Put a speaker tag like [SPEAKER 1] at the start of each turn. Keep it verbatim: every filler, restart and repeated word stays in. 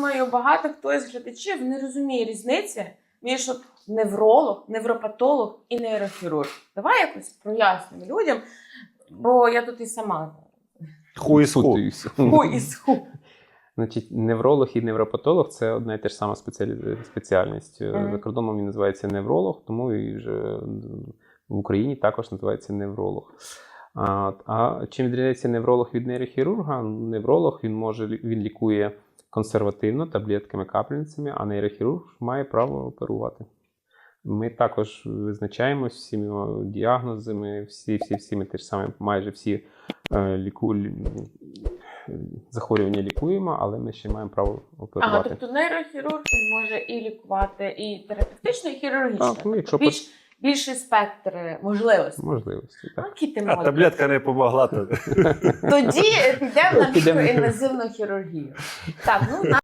[SPEAKER 1] думаю, багато хто із глядачів не розуміє різниці між от невролог, невропатолог і нейрохірург. Давай якось прояснимо людям, бо я тут і сама.
[SPEAKER 2] Ху із ху.
[SPEAKER 3] Путаюся.
[SPEAKER 1] Ху із ху.
[SPEAKER 3] Значить, невролог і невропатолог – це одна і те ж сама спеціалі... спеціальність.
[SPEAKER 1] Мгм.
[SPEAKER 3] За кордоном він називається невролог, тому і вже в Україні також називається невролог. А, а чим відрізняється невролог від нейрохірурга? Невролог, він може, він лікує консервативно, таблетками, капельницями, а нейрохірург має право оперувати. Ми також визначаємось всіми діагнозами, всі, всі, всі ми те ж саме, майже всі е, ліку... захворювання лікуємо, але ми ще маємо право оперувати.
[SPEAKER 1] Ага, тобто нейрохірург він може і лікувати і терапевтично, і хірургічно.
[SPEAKER 3] Так, ну, якщо
[SPEAKER 1] Більш, більший спектр можливостей.
[SPEAKER 3] можливості.
[SPEAKER 1] Ну,
[SPEAKER 3] Так.
[SPEAKER 1] які ти
[SPEAKER 2] А
[SPEAKER 1] молодець.
[SPEAKER 2] таблетка не помогла. То...
[SPEAKER 1] Тоді підемо на
[SPEAKER 3] Підемо.
[SPEAKER 1] мікроінвазивну хірургію. Так, ну